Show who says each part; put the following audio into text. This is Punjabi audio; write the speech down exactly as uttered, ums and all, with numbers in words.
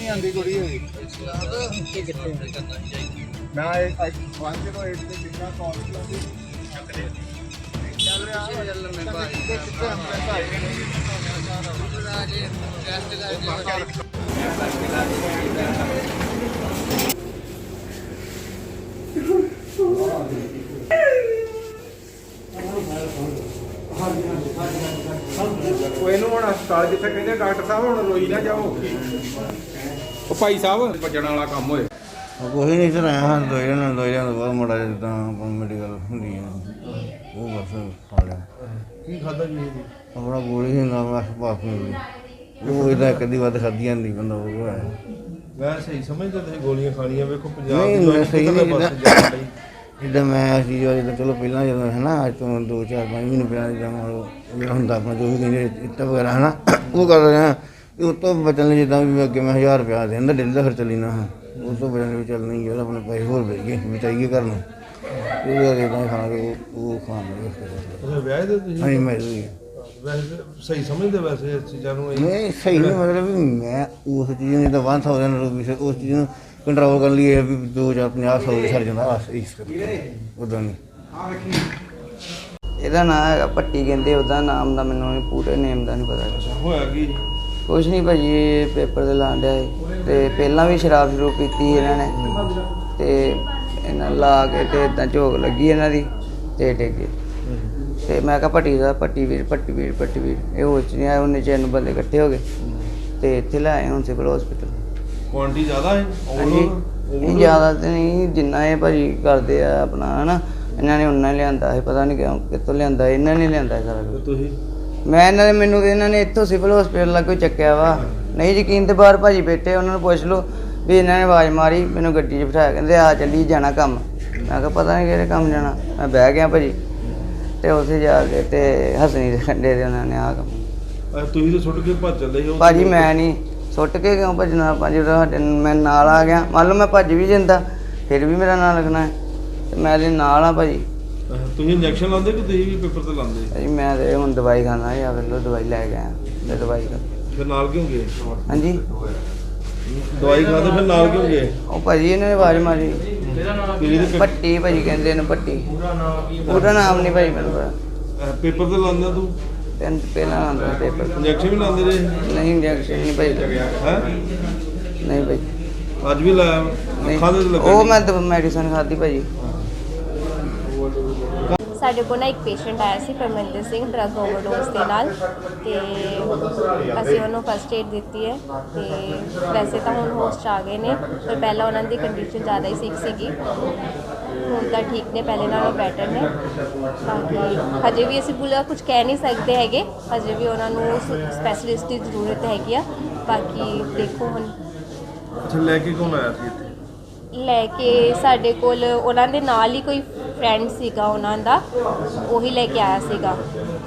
Speaker 1: ਨਹੀਂ ਆਉਂਦੀ ਕੁੜੀ ਹੋਈ ਇਹ ਕਿੱਥੇ ਮੈਂ ਇੱਕ ਵਨ ਜ਼ੀਰੋ ਏਟ ਤੇ ਲਿਖਿਆ ਕਾਲ ਕੀਤੀ ਚੱਲ ਰਿਹਾ ਚੱਲ ਮੈਂ ਭਾਈ ਕਿੱਥੇ ਆਪਣੇ ਘਰ ਰੈਸਟ ਕਰਕੇ
Speaker 2: ਉਹ ਇਹਨੂੰ ਹੁਣ ਹਸਪਤਾਲ ਜਿੱਥੇ ਕਹਿੰਦੇ ਡਾਕਟਰ ਸਾਹਿਬ ਹੁਣ ਰੋਈ ਨਾ ਜਾਓ ਉਹ ਭਾਈ ਸਾਹਿਬ ਭੱਜਣ ਵਾਲਾ ਕੰਮ ਹੋਏ
Speaker 3: ਕੋਈ ਨਹੀਂ ਸਰ ਆਇਆ ਹਾਂ ਦੋ ਜਣ ਦੋ ਜਣ ਬਾਅਦ ਮੁੰਡਾ ਜਿੱਦਾਂ ਮੈਡੀਕਲ ਹੁੰਦੀ ਹੈ ਉਹ ਬਸ ਖਾ ਲਿਆ
Speaker 2: ਕੀ ਖਾਦਾ ਜੀ
Speaker 3: ਆਪਣਾ ਗੋਲੀ ਹੀ ਨਾ ਬਸ ਪਾਸ ਮਿਲੀ ਉਹ ਇਹਦਾ ਕਦੀ ਵੱਧ ਖਾਧੀਆਂ ਨਹੀਂ ਬੰਦਾ ਉਹ ਹੈ
Speaker 2: ਮੈਂ ਸਹੀ ਸਮਝਦਾ ਤੁਸੀਂ ਗੋਲੀਆਂ ਖਾਣੀਆਂ ਵੇਖੋ ਪੰਜਾਬ
Speaker 3: ਨਹੀਂ
Speaker 2: ਦੀ
Speaker 3: ਮੈਂ ਸਹੀ ਨਹੀਂ
Speaker 2: ਬਸ
Speaker 3: ਜਿੱਦਾਂ
Speaker 2: ਜਾਣ ਲਈ
Speaker 3: ਜਿੱਦਾਂ ਮੈਂ ਅਸੀਂ ਜਦੋਂ ਚਲੋ ਪਹਿਲਾਂ ਜਦੋਂ ਹੈ ਨਾ ਅੱਜ ਤੋਂ ਦੋ ਚਾਰ ਪੰਜ ਮਹੀਨੇ ਪਹਿਲਾਂ ਜਿੱਦਾਂ ਮੇਰਾ ਹੁੰਦਾ ਆਪਣਾ ਜੋ ਵੀ ਕਹਿੰਦੇ ਇੱਟਾਂ ਵਗੈਰਾ ਹੈ ਨਾ ਉਹ ਕਰ ਰਿਹਾ ਉਹ ਤੋਂ ਬਚਣ ਲਈ ਜਿੱਦਾਂ ਵੀ ਅੱਗੇ ਮੈਂ ਹਜ਼ਾਰ ਰੁਪਇਆ ਦਿੰਦਾ ਡੇਲੀ ਦਾ ਖਰਚਾ ਲੈਣਾ ਹਾਂ ਉਹ ਤੋਂ ਬਚਣ ਲਈ ਚੱਲ ਨਹੀਂ ਗਿਆ ਆਪਣੇ ਪੈਸੇ ਹੋਰ ਵੇਚ ਗਏ ਬਚਾਈਏ ਘਰ ਨੂੰ ਉਹ ਇੱਦਾਂ ਖਾ ਕੇ ਉਹ ਖਾਣ ਲੱਗੇ
Speaker 2: ਅੱਛਾ ਵਿਆਹ ਦੇ ਤੁਸੀਂ
Speaker 3: ਹਾਂਜੀ ਮੈਂ ਵੀ
Speaker 2: ਵੈਸੇ ਸਹੀ ਸਮਝਦੇ ਵੈਸੇ ਇਸ ਚੀਜ਼ਾਂ ਨੂੰ ਇਹ
Speaker 3: ਨਹੀਂ ਸਹੀ ਨਹੀਂ ਮਤਲਬ ਵੀ ਮੈਂ ਉਸ ਚੀਜ਼ ਨੂੰ ਜਿੱਦਾਂ ਵਨ ਥਾਊਜ਼ੈਂਡ ਰੁਪੀਸ ਉਸ ਚੀਜ਼ ਨੂੰ ਕੰਟਰੋਲ ਕਰਨ ਲਈ ਇਹ ਵੀ ਦੋ ਹਜ਼ਾਰ ਪੰਜਾਹ ਸੌ ਦੇ ਸਰ ਜਾਂਦਾ ਬਸ ਇਸ ਕਰਕੇ ਉੱਦਾਂ ਨਹੀਂ
Speaker 4: ਇਹਦਾ ਨਾਮ ਹੈਗਾ ਭੱਟੀ ਕਹਿੰਦੇ ਉਹਦਾ ਨਾਮ ਦਾ ਮੈਨੂੰ ਪੂਰੇ ਨੇਮ ਦਾ ਨਹੀਂ ਪਤਾ
Speaker 2: ਹੋਇਆ ਕੀ
Speaker 4: ਕੁਛ ਨਹੀਂ ਭਾਜੀ ਇਹ ਪੇਪਰ ਤੇ ਲਾਣ ਡਿਆ ਸੀ ਤੇ ਪਹਿਲਾਂ ਵੀ ਸ਼ਰਾਬ ਸ਼ੁਰੂ ਪੀਤੀ ਇਹਨਾਂ ਨੇ ਤੇ ਇਹਨਾਂ ਲਾ ਕੇ ਤੇ ਇਦਾਂ ਝੋਕ ਲੱਗੀ ਇਹਨਾਂ ਦੀ ਤੇ ਡਿੱਗੇ ਤੇ ਮੈਂ ਕਿਹਾ ਭੱਟੀ ਦਾ ਭੱਟੀ ਵੀਰ ਭੱਟੀ ਵੀਰ ਭੱਟੀ ਵੀਰ ਇਹ ਹੋਸ਼ 'ਚ ਨਹੀਂ ਆਇਆ ਉਹਨੇ ਚੈਨ ਬੰਦੇ ਇਕੱਠੇ ਹੋ ਗਏ ਤੇ ਇੱਥੇ ਲੈ ਆਏ ਹੁਣ ਸਿਵਲ ਹਸਪੀਟਲ
Speaker 2: ਕੁਆਂਟੀ ਜ਼ਿਆਦਾ ਹੈ
Speaker 4: ਹਾਂਜੀ ਇਹ ਜ਼ਿਆਦਾ ਤੇ ਨਹੀਂ ਜਿੰਨਾ ਇਹ ਭਾਜੀ ਕਰਦੇ ਆ ਆਪਣਾ ਹਨਾ ਇਹਨਾਂ ਨੇ ਉਹਨਾਂ ਲਿਆਂਦਾ ਹੈ ਪਤਾ ਨਹੀਂ ਕਿਉਂ ਕਿੱਥੋਂ ਲਿਆਂਦਾ ਇਹਨਾਂ ਨੇ ਲਿਆਂਦਾ ਸਾਰਾ ਕੁਝ
Speaker 2: ਤੁਸੀਂ
Speaker 4: ਮੈਂ ਇਹਨਾਂ ਦੇ ਮੈਨੂੰ ਇਹਨਾਂ ਨੇ ਇੱਥੋਂ ਸਿਵਲ ਹਸਪੀਟਲ ਲੱਗੋ ਚੱਕਿਆ ਵਾ ਨਹੀਂ ਯਕੀਨ ਤੇ ਬਾਹਰ ਭਾਜੀ ਬੈਠੇ ਉਹਨਾਂ ਨੂੰ ਪੁੱਛ ਲਓ ਵੀ ਇਹਨਾਂ ਨੇ ਆਵਾਜ਼ ਮਾਰੀ ਮੈਨੂੰ ਗੱਡੀ 'ਚ ਬਿਠਾਇਆ ਕਹਿੰਦੇ ਆ ਚੱਲੀ ਜਾਣਾ ਕੰਮ ਮੈਂ ਕਿਹਾ ਪਤਾ ਨਹੀਂ ਕਿਹੜੇ ਕੰਮ ਜਾਣਾ ਮੈਂ ਬਹਿ ਗਿਆ ਭਾਜੀ ਤੇ ਉੱਥੇ ਜਾ ਕੇ ਤੇ ਹਸਣੀ ਦੇ ਕੰਡੇ ਦੇ ਉਹਨਾਂ ਨੇ ਆਹ ਕੰਮ
Speaker 2: ਤੁਸੀਂ ਤਾਂ ਸੁੱਟ ਕੇ ਭੱਜ ਚੱਲੇ ਹੋ
Speaker 4: ਭਾਜੀ ਮੈਂ ਨਹੀਂ ਸੁੱਟ ਕੇ ਕਿਉਂ ਭੱਜਣਾ ਭਾਜੀ ਸਾਡੇ ਮੈਂ ਨਾਲ ਆ ਗਿਆ ਮੰਨ ਲਓ ਮੈਂ ਭੱਜ ਵੀ ਜਾਂਦਾ ਫਿਰ ਵੀ ਮੇਰਾ ਨਾਂ ਲਿਖਣਾ ਹੈ ਤੇ ਮੈਂ ਇਹਦੇ ਨਾਲ ਆ ਭਾਜੀ
Speaker 2: ਤੁਸੀਂ ਇੰਜੈਕਸ਼ਨ ਲਾਉਂਦੇ ਕਿ ਤੁਸੀਂ ਵੀ ਪੇਪਰ ਤੇ ਲਾਉਂਦੇ
Speaker 4: ਭਾਜੀ ਮੈਂ ਤੇ ਹੁਣ ਦਵਾਈ ਖਾਣਾ ਜਾਂ ਫਿਰ ਲੋ ਦਵਾਈ ਲੈ ਗਿਆ ਤੇ ਦਵਾਈ ਖਾ
Speaker 2: ਫਿਰ ਨਾਲ ਕਿਉਂ ਗਏ
Speaker 4: ਹਾਂਜੀ
Speaker 2: ਦਵਾਈ ਖਾਦੇ ਫਿਰ ਨਾਲ ਕਿਉਂ ਗਏ
Speaker 4: ਉਹ ਭਾਜੀ ਇਹਨਾਂ ਨੇ ਆਵਾਜ਼ ਮਾਰੀ
Speaker 2: ਤੁਸੀਂ ਤੇ
Speaker 4: ਭੱਟੀ ਭਾਜੀ ਕਹਿੰਦੇ ਨੇ ਭੱਟੀ ਪੂਰਾ ਨਾਮ ਨਹੀਂ ਭਾਜੀ ਮੈਨੂੰ ਪਤਾ
Speaker 2: ਪੇਪਰ ਤੇ ਲਾਉਂਦਾ ਤੂੰ
Speaker 4: ਤਿੰਨ ਪਹਿਲਾਂ ਆਉਂਦਾ ਪੇਪਰ
Speaker 2: ਇੰਜੈਕਸ਼ਨ ਵੀ ਲਾਉਂਦੇ ਰਹੇ
Speaker 4: ਨਹੀਂ ਇੰਜੈਕਸ਼ਨ ਨਹੀਂ ਭਾਜੀ
Speaker 2: ਹੈ
Speaker 4: ਨਹੀਂ ਭਾਜੀ
Speaker 2: ਅੱਜ ਵੀ ਲਾਇਆ ਅੱਖਾਂ ਦੇ ਲੱਗੇ
Speaker 4: ਉਹ ਮੈਂ ਤਾਂ ਮੈਡੀਸਨ ਖਾਧੀ ਭਾਜੀ
Speaker 5: ਸਾਡੇ ਕੋਲ ਨਾ ਇੱਕ ਪੇਸ਼ੈਂਟ ਆਇਆ ਸੀ ਪਰਮਿੰਦਰ ਸਿੰਘ ਡਰੱਗ ਓਵਰਡੋਜ਼ ਦੇ ਨਾਲ ਤੇ ਅਸੀਂ ਉਹਨੂੰ ਫਸਟ ਏਡ ਦਿੱਤੀ ਹੈ ਤੇ ਵੈਸੇ ਤਾਂ ਹੁਣ ਹੋਸ਼ 'ਚ ਆ ਗਏ ਨੇ ਪਰ ਪਹਿਲਾਂ ਉਹਨਾਂ ਦੀ ਕੰਡੀਸ਼ਨ ਜ਼ਿਆਦਾ ਹੀ ਸਿਕ ਸੀਗੀ ਹੁਣ ਤਾਂ ਠੀਕ ਨੇ ਪਹਿਲੇ ਨਾਲੋਂ ਬੈਟਰ ਨੇ ਬਾਕੀ ਹਜੇ ਵੀ ਅਸੀਂ ਪੂਰਾ ਕੁਝ ਕਹਿ ਨਹੀਂ ਸਕਦੇ ਹੈਗੇ ਹਜੇ ਵੀ ਉਹਨਾਂ ਨੂੰ ਸਪੈਸ਼ਲਿਸਟ ਦੀ ਜ਼ਰੂਰਤ ਹੈਗੀ ਆ ਬਾਕੀ ਦੇਖੋ ਹੁਣ
Speaker 2: ਅੱਛਾ ਲੈ ਕੇ ਕੌਣ ਆਇਆ ਸੀ ਇੱਥੇ
Speaker 5: ਲੈ ਕੇ ਸਾਡੇ ਕੋਲ ਉਹਨਾਂ ਦੇ ਨਾਲ ਹੀ ਕੋਈ ਫਰੈਂਡ ਸੀਗਾ ਉਹਨਾਂ ਦਾ ਉਹੀ ਲੈ ਕੇ ਆਇਆ ਸੀਗਾ